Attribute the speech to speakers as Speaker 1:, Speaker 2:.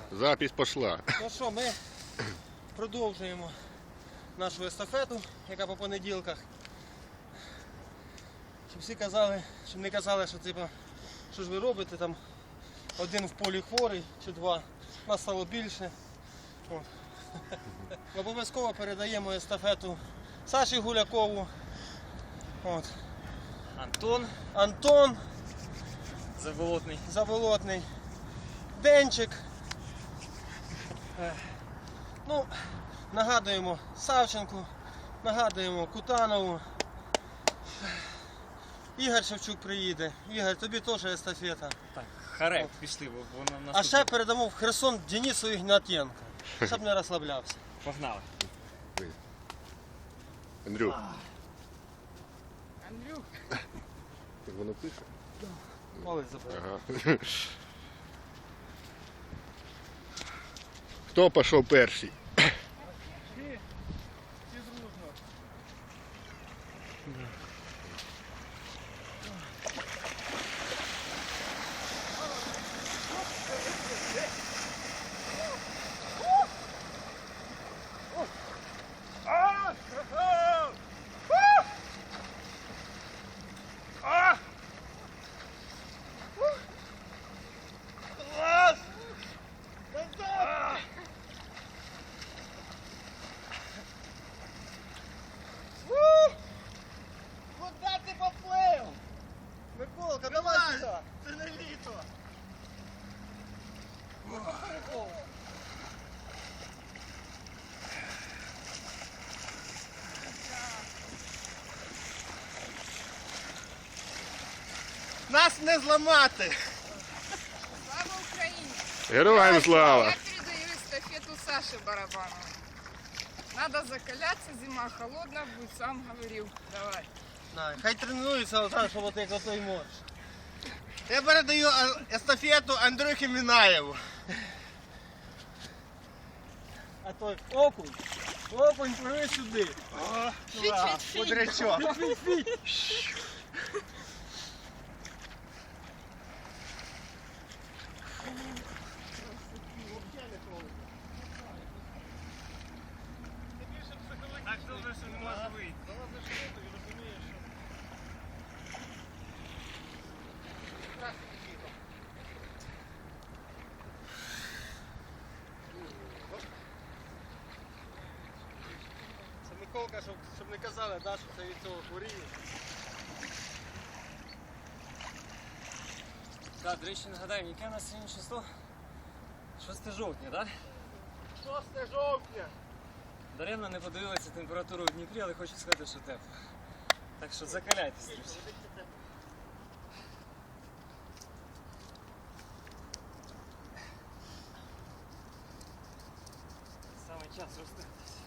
Speaker 1: Запись пошла.
Speaker 2: Ну що, ми продовжуємо нашу естафету, яка по понеділках. Щоб всі казали, щоб не казали, що типу, що ж ви робите, там один в полі хворий чи два, нас стало більше. От. Обов'язково передаємо естафету Саші Гулякову. От. Антон Заволотний. Денчик. Ну, нагадуємо Савченку, нагадуємо Кутанову. Ігор Шевчук приїде. Ігор, тобі теж естафета.
Speaker 3: Так, харек, пішли, бо воно
Speaker 2: А ще передамо в Херсон Денису Ігнатенко, щоб не розслаблявся.
Speaker 3: Погнали.
Speaker 1: Андрюх.
Speaker 3: Андрюх.
Speaker 1: Так воно пише?
Speaker 2: Палець забрав.
Speaker 1: Ага. Хто пішов перший?
Speaker 2: Куда ти поплив? Миколка, давай сюди. Це не літо. Нас не зламати.
Speaker 4: Слава Украине!
Speaker 1: Героям слава!
Speaker 4: Я передаю эстафету Саше Барабанову. Надо закаляться, зима холодная будет, сам говорил. Давай.
Speaker 2: Хай тренується отак, щоб от як отой морж. Я передаю естафету Андрюхі Мінаєву. А той окунь. Окунь, пливи сюди. Бодрячок.
Speaker 3: Так добре, що не може вийти.
Speaker 2: Це Миколка, щоб не казали, да, що це від цього хворіє.
Speaker 3: Так, до речі, нагадаємо, яке у нас сьогодні число? 6 жовтня, так?
Speaker 2: 6 жовтня.
Speaker 3: Даремно не подивилися температуру в Дніпрі, але хочу сказати, що тепло. Так що закаляйтесь, друзі. Саме час розстатись.